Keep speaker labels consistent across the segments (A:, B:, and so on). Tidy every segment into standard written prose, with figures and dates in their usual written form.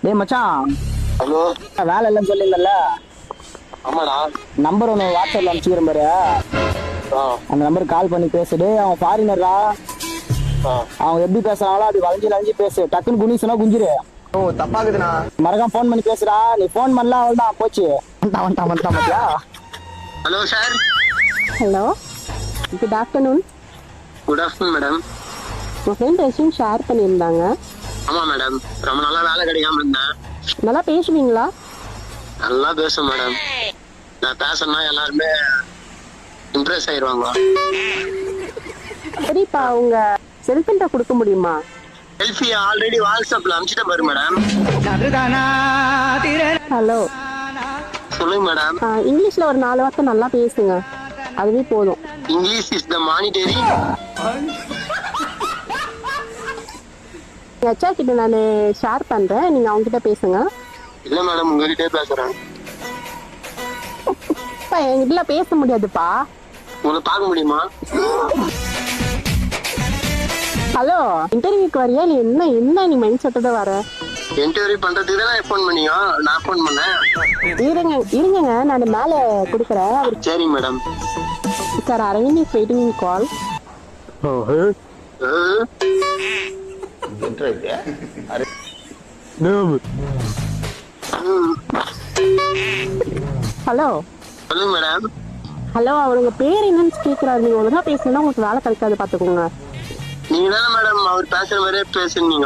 A: டேய் மச்சான்,
B: ஹலோ.
A: வேலை இல்லைன்னு சொல்லியிருந்தல,
B: ஆமாடா.
A: நம்பர் ஒன்று வாட்ஸ்அப்பில் அனுப்பிச்சுக்கிறேன் பாரு. அந்த நம்பருக்கு கால் பண்ணி பேசுடு. அவன் ஃபாரினர்ரா. அவங்க எப்படி பேசுறாங்களோ அது வளைஞ்சு வளைஞ்சு பேசு. டக்குன்னு குனிசுனா குஞ்சிரு.
B: ஓ தப்பாக்குதுண்ணா.
A: மறக்காம ஃபோன் பண்ணி பேசுடா. நீ ஃபோன் பண்ணல அவள் தான் போச்சு. வந்துட்டான் பாத்தியா?
B: Hello sir.
C: Hello, good afternoon.
B: Good afternoon madam.
C: உங்கள் ஃப்ரெண்ட் ரெஸ்யூம் ஷேர் பண்ணியிருந்தாங்க.
B: ஆமா மேடம், ரொம்ப நாளா வேலை கிடைக்காம இருந்தேன்.
C: நல்லா பேசுவீங்களா?
B: நல்லா பேசும் மேடம். நான் பேசணும்னா எல்லாருமே இம்ப்ரெஸ் ஆயிடுவாங்க.
C: சரிப்பா, உங்கள் செல்ஃபோன்ட்ட கொடுக்க முடியுமா?
B: செல்ஃபி ஆல்ரெடி வாட்ஸ்அப்ல அனுப்பிச்சிட்டேன் பாரு மேடம்.
C: ஹலோ,
B: சொல்லுங்க மேடம்.
C: இங்கிலீஷில் ஒரு 4 வார்த்தை நல்லா பேசுங்க, அதுவே போதும்.
B: English is the monetary.
C: எங்கள் அச்சா கிட்ட நான் ஷேர் பண்ணுறேன், நீங்கள் அவங்ககிட்ட பேசுங்க.
B: இல்ல மேடம், உங்ககிட்டே பேசுறேன்.
C: என்கிட்ட பேச முடியாதுப்பா.
B: உங்களை பார்க்க முடியுமா?
C: ஹலோ, இன்டர்வியூக்கு வரியா இல்லை என்ன நீ மைண்ட் செட்டோட வர?
B: இன்டர்வியூ பண்றதுக்கு தான் ஃபோன் பண்ணியோ, நான் ஃபோன் பண்ணேன்.
C: இருங்க நான் மேலே கொடுக்குறேன்.
B: சரிங்க madam.
C: Sir, Aravind is waiting in call. Hello.
B: சொல்லுங்க மேடம்.
C: ஹலோ, அவருங்க பேர் என்னன்னு கேட்குறாரு. நீங்கள் ஒழுங்கா பேசணும்னா உங்களுக்கு வேலை கிடைக்காது, பார்த்துக்கோங்க.
B: நீங்க தானே மேடம் அவர் பேசுற மாதிரியே பேசுனீங்க.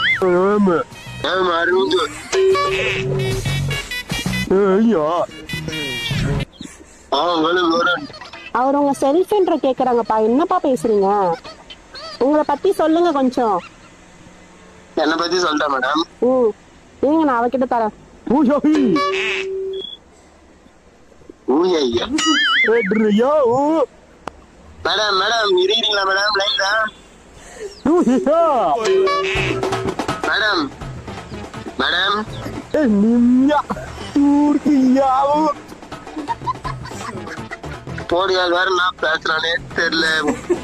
C: அவர் உங்க செல்ஃபோன்ற கேட்குறாங்கப்பா. என்னப்பா பேசுறீங்க? உங்களை பத்தி சொல்லுங்க கொஞ்சம்.
B: என்ன பத்தி சொல்லிட்டா மேடம்?
C: இருங்க, நான் அவகிட்ட தரேன்.
B: மேடம் மேடம் இருக்கீங்களா மேடம்? லைன்ல மேடம் மேடம் போடியா வேற நான் பேசுறானே தெரியல.